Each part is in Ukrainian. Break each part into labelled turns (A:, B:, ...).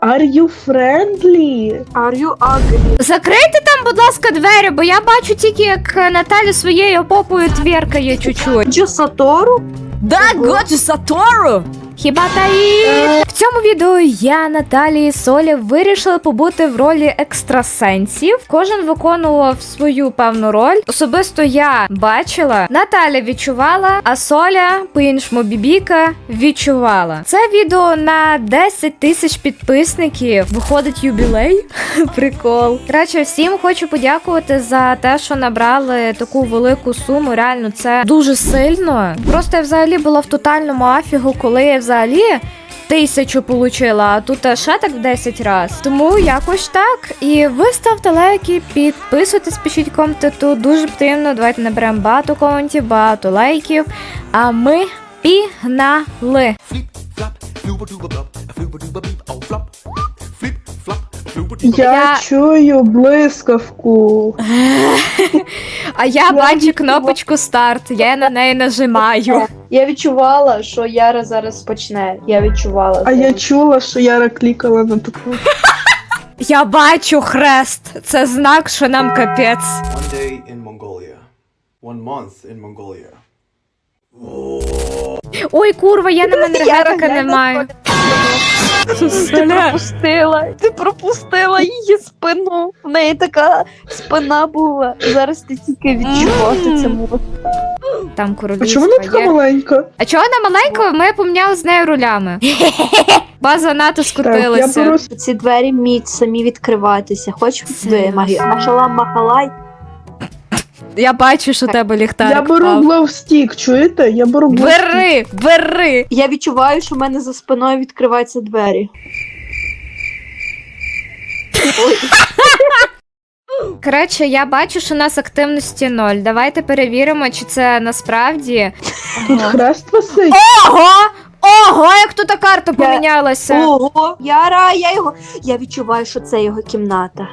A: Are you friendly?
B: Are you ugly?
C: Закрийте там, будь ласка, двері, бо я бачу тільки, як Наталя своєю попою твіркає чуть-чуть.
B: Джо Сатору?
C: Да, Годжі Сатору! Хіба таї? В цьому відео я, Наталі і Соля вирішили побути в ролі екстрасенсів. Кожен виконував свою певну роль. Особисто я бачила, Наталя відчувала, а Соля, по-іншому Бібіка, відчувала. Це відео на 10 тисяч підписників. Виходить юбілей. Прикол. Коротше, всім хочу подякувати за те, що набрали таку велику суму. Реально, це дуже сильно. Просто я взагалі була в тотальному афігу, коли я взагалі 1000 получила, а тут ще так в 10 раз. Тому якось так. І ви ставте лайки, підписуйтесь, пишіть коменти, тут дуже потрібно. Давайте наберемо багато коментів, багато лайків. А ми пігнали!
A: Я чую блискавку.
C: А я бачу кнопочку старт, я на неї нажимаю.
B: Я відчувала, що Яра зараз почне. Я відчувала.
A: А я чула, що Яра клікала на таку.
C: Я бачу хрест. Це знак, що нам капець.
D: One day in Mongolia. 1 month in Mongolia.
C: Ой, курва, я на енергетика не маю.
B: Ти пропустила її спину. В неї така спина була. Зараз ти тільки відчувати це можеш.
C: Там
A: А
C: королівська
A: чому вона така
C: є.
A: маленька?
C: А чого вона маленька? Ми поміняли з нею рулями. База НАТО
A: Так, я
C: скрутилася.
A: беру
B: Ці двері вміють самі відкриватися. Хоч ви, Машалам Махалай.
C: Я бачу, що у тебе ліхтарик
A: Я беру
C: впав.
A: гловстік, чуєте? Я беру гловстік.
C: Бери, бери.
B: Я відчуваю, що в мене за спиною відкриваються двері. Ой.
C: Коротше, я бачу, що у нас активності 0. Давайте перевіримо, чи це насправді.
A: Тут хрест висить.
C: Ого! Ого, як тут карта помінялася.
B: Ого, Яра, я відчуваю, що це його кімната.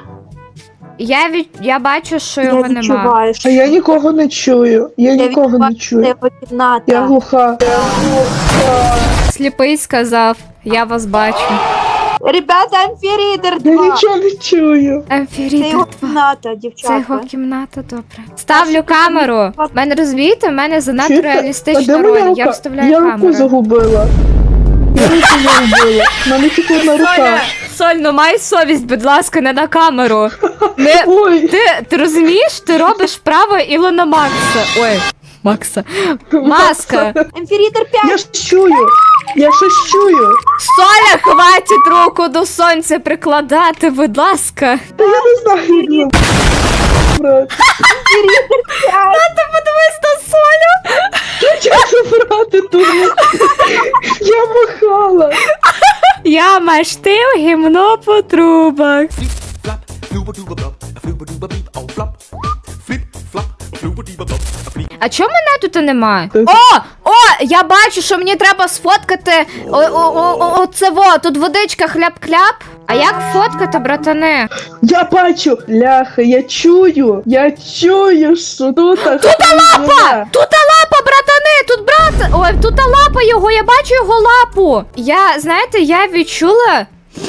C: Я бачу, що
B: Я
C: його нема.
B: відчуваю, що
A: А я нікого не чую. Я нікого
B: відчуваю,
A: не
B: що це
A: чую.
B: його кімната.
A: Я глуха.
C: Сліпий сказав, я вас бачу.
B: Ребята, Амфірідер
A: Я
B: 2.
A: нічого не чую.
B: Це
C: Амфірідер
B: його
C: 2.
B: кімната,
C: Це
B: дівчатка.
C: його кімната, добре. Ставлю камеру. В мене, розумієте, в мене занадто
A: Чуєте? А
C: реалістична
A: де моя
C: роль.
A: рука?
C: Я вставляю
A: Я руку
C: камеру.
A: загубила. Я руку загубила. В мене тільки одна рука.
C: Соль, ну май совість, будь ласка, не на камеру. Не...
A: Ой,
C: Ти розумієш, ти робиш вправо Ілона Макса. Ой, Макса. Маска.
B: Амфірідер 5.
A: я ж чую. Я щось чую.
C: Соля, хватить руку до сонця прикладати, будь ласка.
A: Та я не знаю, як вам брати.
C: Ти подивись на Солю.
A: Як забрати тут? Я махала.
C: Я маштив гімно по трубах.
D: Flap, flooba dooba blop, a flooba dooba beep, oh flop. Flip, flop, flooba dooba blop, a flip.
C: А чого мене тут немає?
A: Ти-
C: О, я бачу, що мені треба сфоткати. Оце во, тут водичка хляп-кляп. А як фоткати, братане?
A: Я бачу. Ляха, я чую. Я чую, що тут. Тут лапа!
C: Тут лапа, братани, тут брат. Ой, тут лапа його, я бачу його лапу. Знаєте, я відчула,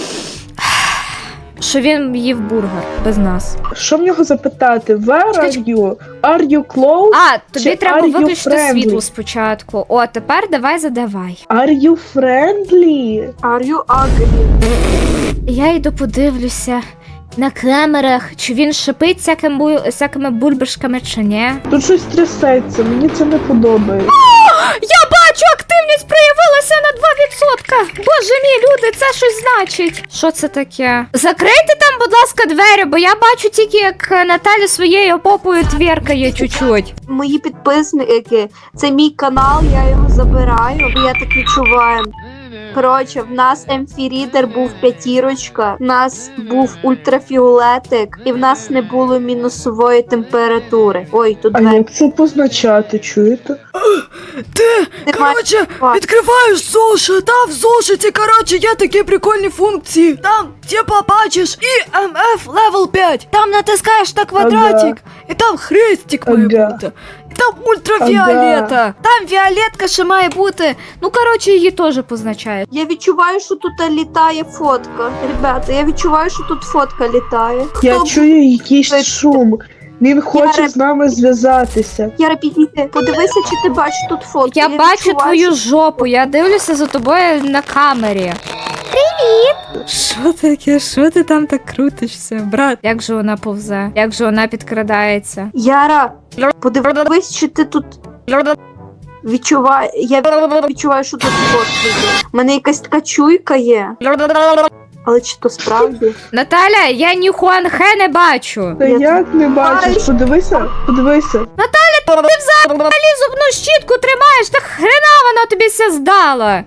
C: що він їв бургер без нас.
A: Що в нього запитати? Where are you? Are you close?
C: А, тобі
A: Чи
C: треба
A: are you
C: виключити
A: friendly?
C: світло спочатку. О, тепер давай задавай.
A: Are you friendly?
B: Are you ugly?
C: Я йду подивлюся на камерах, чи він шипить всякими бульбашками, чи ні.
A: Тут щось трясеться, мені це не подобається.
C: Я бачу, активність проявилася на 2%. Боже мій, люди, це щось значить. Що це таке? Закрийте там, будь ласка, двері, бо я бачу тільки, як Наталя своєю попою твіркає чуть-чуть.
B: Мої підписники, це мій канал, я його забираю, бо я так відчуваю. Коротше, в нас Амфірідер був 5, в нас був ультрафіолетик, і в нас не було мінусової температури. Ой, тут
A: А
B: двері.
A: як це позначати, чуєте?
E: Ти,
B: Немає
E: коротше,
B: факту.
E: відкриваєш зошит, та в зошиті, коротше, є такі прикольні функції. Там, типа, бачиш, EMF level 5. Там натискаєш на квадратик, і там хрестик має
A: Ага.
E: бути. І
C: Там ультрафіолета. Там фіолетка ще має бути. Ну, коротше, її теж позначають.
B: Я відчуваю, що тут літає фотка. Ребята, я відчуваю, що тут фотка літає.
A: Я
B: Хто
A: чую якийсь шум. Він хоче
B: Я-
A: з нами зв'язатися.
B: Яра, підійди, подивися, чи ти бачиш тут фотку.
C: Я бачу
B: відчуваю,
C: твою
B: що-
C: жопу, я дивлюся за тобою на камері. Привіт! Що таке? Що ти там так крутишся, брат? Як же вона повзе? Як же вона підкрадається?
B: Яра, подивись, чи ти тут відчуває. Я відчуваю, що тут фотка є. У мене якась така чуйка є. Але чи то справді?
C: Наталя, я ні Хуанхе не бачу.
A: Та як не бачиш? Подивися, подивися.
C: Взагалі зубну щітку тримаєш, так хрена вона тобі ся здала.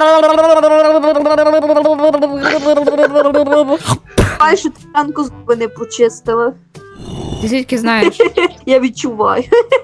B: Бачу, що ти ранку зуби не почистила.
C: Ти звідки знаєш?
B: Я відчуваю.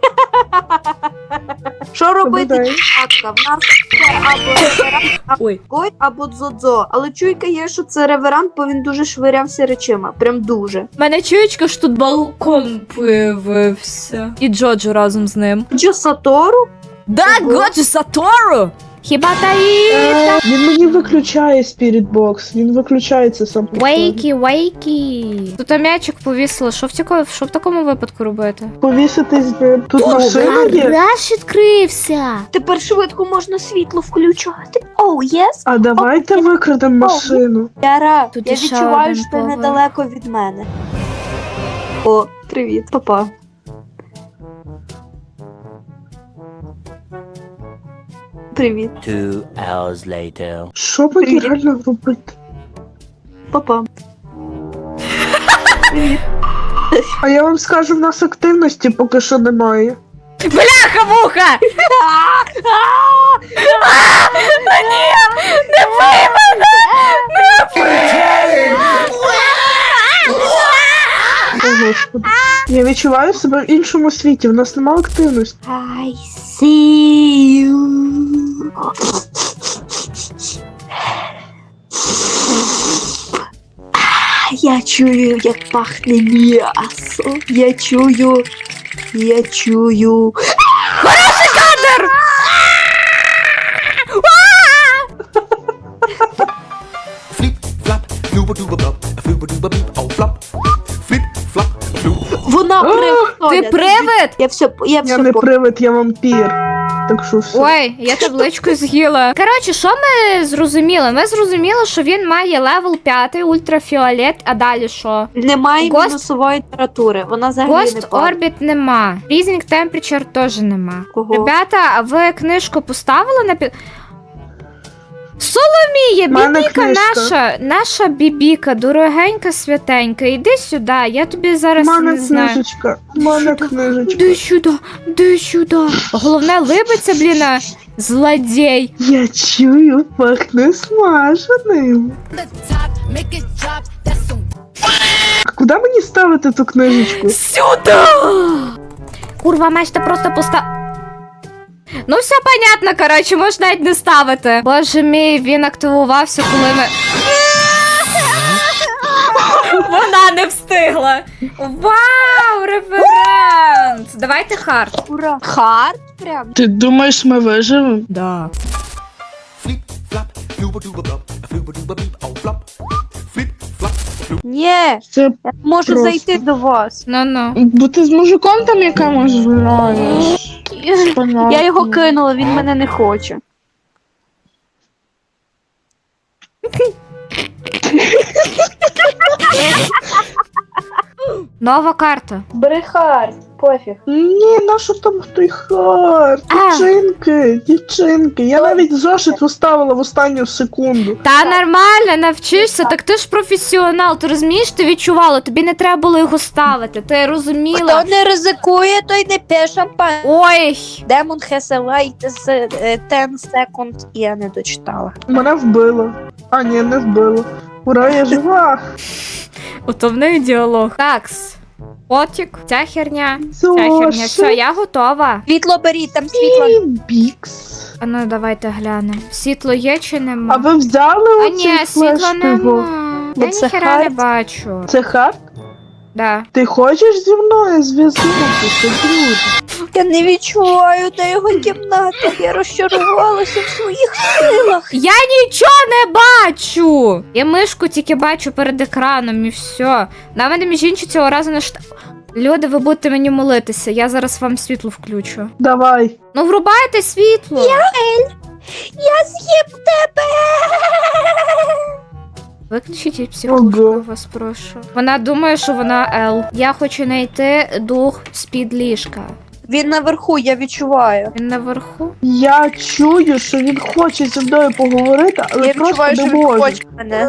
B: Що робити,
A: Добре.
B: дівчатка? В нас це або реверант,
C: Ой.
B: або дзодзо. Але чуйка є, що це реверант, бо він дуже швирявся речима. Прям дуже.
C: У мене чуєчка, що тут балкон появився. І Джоджо разом з ним.
B: Джо Сатору?
C: Да,
B: Ого.
C: Годжо Сатору! Хіба таї?
A: Він мені виключає Spirit Box. Він виключається сам. по собі.
C: Вейкі. Тут м'ячик повісило. Що в такому випадку робити?
A: Повісити з ним. Тут машина є.
C: Гараж відкрився.
B: Тепер швидко можна світло включати. Оу, єс.
A: А давайте викрадемо машину.
B: Яра,
C: Тут
B: я
C: іще
B: відчуваю,
C: один
B: що ти
C: поверх.
B: недалеко від мене. О, привіт, папа. Привіт,
F: 2 hours later.
A: Що мені реально робити?
B: папа.
A: А я вам скажу, в нас активності поки що немає.
C: Бляха-муха!
A: О, Господи. Я відчуваю себе в іншому світі, в нас немає активності.
B: I see you. Я чую, як пахне м'ясо. Я чую.
D: Flip, flop, flooba dooba blop, flooba dooba beep, oh flop. Flip, flop, flooba.
B: Вона
C: Ти привид?
B: Я все
A: Я не
B: поняла.
A: привид, я вампір. Так що все.
C: Ой, я табличку з'їла. Коротше, що ми зрозуміли? Ми зрозуміли, що він має левел 5, ультрафіолет, а далі що?
B: Немає
C: Ghost-
B: мінусової температури. Вона взагалі не
C: Ghost
B: падає.
C: Orbit нема. Freezing Temperature теж нема.
B: Кого?
C: Ребята, а ви книжку поставили на Соломія,
A: Мене
C: бібіка
A: книжка.
C: наша бібіка, дорогенька, святенька, іди сюди, я тобі зараз
A: Мене
C: не знаю.
A: книжечка, мене книжечка.
C: Де сюди. Головне либиться, бліна, злодій.
A: Я чую, пахне смаженим. А куди мені ставити ту книжечку?
C: Сюди! Курва, меч, ти просто Ну, все понятно, коротше, можеш навіть не ставити. Боже мій, він активувався, коли ми. Вона не встигла. Вау, реверант! Давайте хард.
B: Ура. Хард прям.
A: Ти думаєш, ми виживемо?
C: Да.
D: Flip, flop, flooba dooba blop, flooba dooba beep, oh flop. Flip, flop, flooba.
B: Ні,
A: Це
B: я можу
A: Просто.
B: зайти до вас.
C: Ну-ну.
A: бо ти з мужиком там якимось граєш. Понятно.
B: Я його кинула, він мене не хоче.
C: Нова карта.
B: Бери хард, пофіг.
A: Ні, нащо там той хард? Дівчинки. Я навіть зошит поставила в останню секунду.
C: Та нормально, навчишся, так ти ж професіонал, ти розумієш, ти відчувала, тобі не треба було його ставити, ти розуміла.
B: Хто не ризикує, той не п'є шампань.
C: Ой,
B: Demon has a light з 10 секунд. Я не дочитала.
A: Мене вбило. А, ні, не вбило. Ура, я жива.
C: ото в неї діалог. Такс. Потік, ця херня, Все, я готова.
B: Світло беріть, там світло.
A: Бікс.
C: А ну давайте глянемо. Світло є чи
A: А
C: нема?
A: ви взяли
C: А
A: оцей
C: ні, світла
A: флеш його?
C: нема.
B: Ну,
C: Я
B: це
C: ніхера не
B: хард.
C: бачу.
A: Це хард?
C: Да.
A: Ти хочеш зі мною зв'язатися, друже?
B: Я не відчуваю, де його кімната. Я розчарувалася в своїх силах.
C: Я нічого не бачу! Я мишку тільки бачу перед екраном і все. На мене між іншим цього разу не Люди, ви будете мені молитися, я зараз вам світло включу.
A: Давай.
C: Ну врубайте світло.
B: Я з'їм тебе.
C: Виключіть психушку,
A: Ого.
C: я вас прошу. Вона думає, що вона Ел. Я хочу знайти дух з-під ліжка.
B: Він наверху, я відчуваю.
C: Він наверху.
A: Я чую, що він хоче зі мною поговорити, але
B: Я
A: просто
B: відчуваю,
A: не
B: що він
A: може.
B: хоче мене.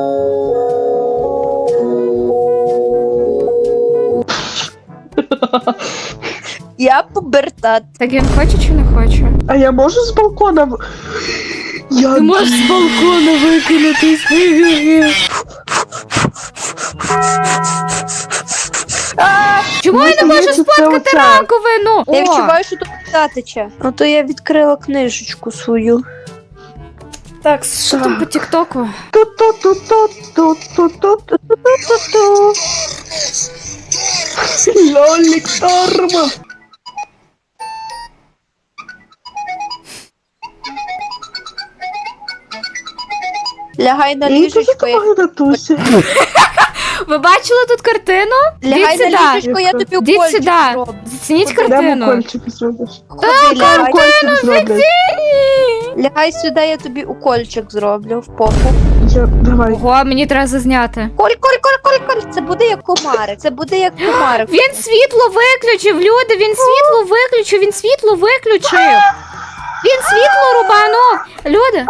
B: Я пубертат.
C: Так він хоче чи не хоче?
A: А я можу з балкона? Я...
C: Ти можеш з балкона викинутись. Чому я не можу
A: Здається, це
C: сфоткати
A: оце.
C: раковину?
B: Я
C: О,
B: відчуваю, що тут вода тече. Ну то я відкрила книжечку свою.
C: так, що там по тіктоку?
A: Ту-ту-ту-ту-ту-ту-ту-ту-ту-ту. Лолік Торма.
B: Лягай на
A: Я дуже
B: ліжечко, я...
A: Тусі.
C: Ви бачили тут картину?
B: Лягай
C: Йдіть
B: на
C: сюди.
B: ліжечко, я тобі
C: Йдіть
B: укольчик
C: сюди.
B: зроблю.
C: Зацініть
A: Де
C: картину.
A: укольчик зробиш?
B: Ходи, лягай.
A: Укольчик зроблять.
B: Лягай сюди, я тобі укольчик зроблю в попу.
A: Давай.
C: Ого, мені треба зазняти.
B: Коль. Це буде як комарик. Це буде як комарик.
C: Він світло виключив, люди, він світло виключив, він світло виключив. Він світло рубанув. Люди.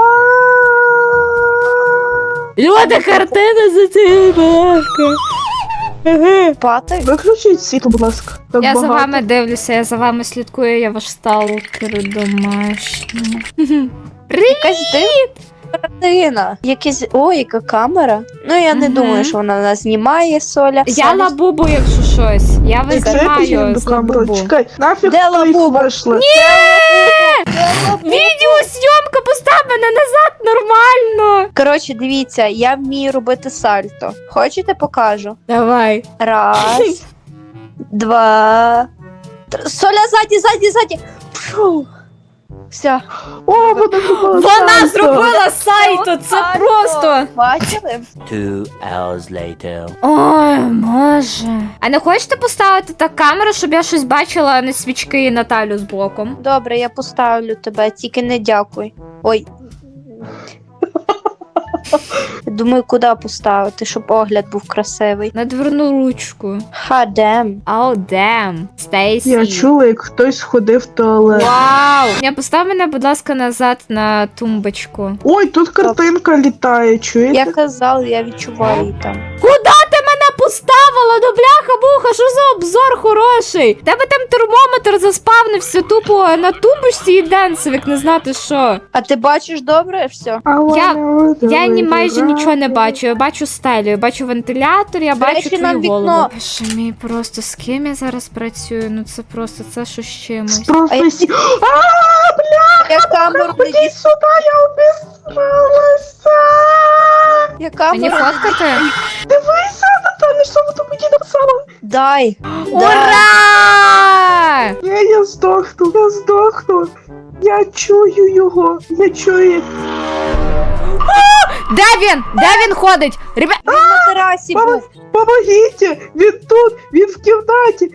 C: Люди, картина за
B: Спати.
A: Виключіть світло, будь ласка. Так
C: Я за
A: багато.
C: вами дивлюся, я за вами слідкую, я ваш сталкер домашній.
B: Якась дивна картина. Якийсь... О, яка камера. Ну, я не
C: Мгм.
B: думаю, що вона нас знімає, Соля.
C: Я
B: Соля-
C: лабубу, якщо щось. Я
A: Ти це
C: знімаю
A: підійди
C: з
A: до камери.
C: лабубу.
A: Чекай, нафіг
B: Де
A: ти їх
B: лабуба?
A: вийшла?
C: Відеозйомка, постав мене назад нормально.
B: Коротше, дивіться, я вмію робити сальто. Хочете, покажу?
C: Давай.
B: Раз, два, Соля, ззаді. Фу. Все.
A: О, вона зробила
C: Вона
A: сальто.
C: зробила сайто, це просто.
B: Бачили?
F: 2 hours later.
C: Ой, Боже. А не хочете поставити так камеру, щоб я щось бачила, а не свічки і Наталю з боком?
B: Добре, я поставлю тебе, тільки не дякуй. Ой. Я думаю, куди поставити, щоб огляд був красивий.
C: На дверну ручку.
B: Хадем.
C: Оу, дем. Стейсі.
A: Я чула, як хтось ходив в туалет.
C: Вау! Я постав мене, будь ласка, назад на тумбочку.
A: Ой, тут картинка літає, чуєте?
B: Я казала, я відчуваю її там.
C: Куда ти мене поставила? Ну бляха-буха, що за обзор хороший? Тебе там термометр заспавнився тупо на тумбочці і денсовик, не знати що.
B: А ти бачиш добре все?
C: Я ні майже нічого не бачу. Я бачу стелю, я бачу вентилятор, я бачу
B: речі,
C: твою
B: нам вікно.
C: голову. Боже мій, просто з ким я зараз працюю? Ну це просто, це що з чимось.
A: Просто
B: А я-
A: сі...
B: Я камеру не
A: Ходи сюди, я обісралася.
B: Я
C: Мені
B: камеру не
C: фоткати?
A: Дивися, Наталя, що ви тут мені написала?
B: дай.
C: Ура!
A: Ні, я здохну. Я чую його, я чую.
C: Де він? Де він ходить? Ребят,
B: Він на терасі був.
A: Помогіть! Він тут! Він в кімнаті!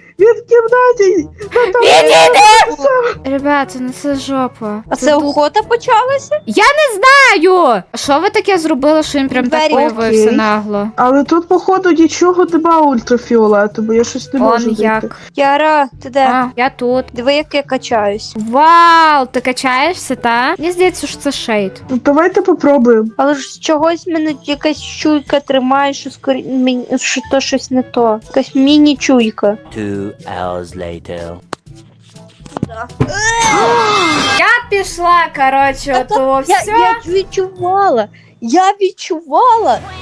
C: ребята, ну це жопа.
B: А це охота почалася?
C: Я не знаю! Що ви таке зробили, що він прям так
B: Двері.
C: появився
A: Окей.
C: нагло?
A: Але тут, походу, нічого нема ультрафіолетового, я щось не можу
C: Он
A: знайти.
C: як.
B: Яра, ти де?
C: А, я тут.
B: Диви, як я качаюсь.
C: Вау, ти качаєшся, та? Мені здається, що це шейд.
A: Ну, давайте попробуємо.
B: Але ж з чогось мене якась чуйка тримає, що скорі... що то щось не то. Якась міні-чуйка.
F: 2 hours later.
C: Я пішла, коротше, ото все.
B: Я відчувала.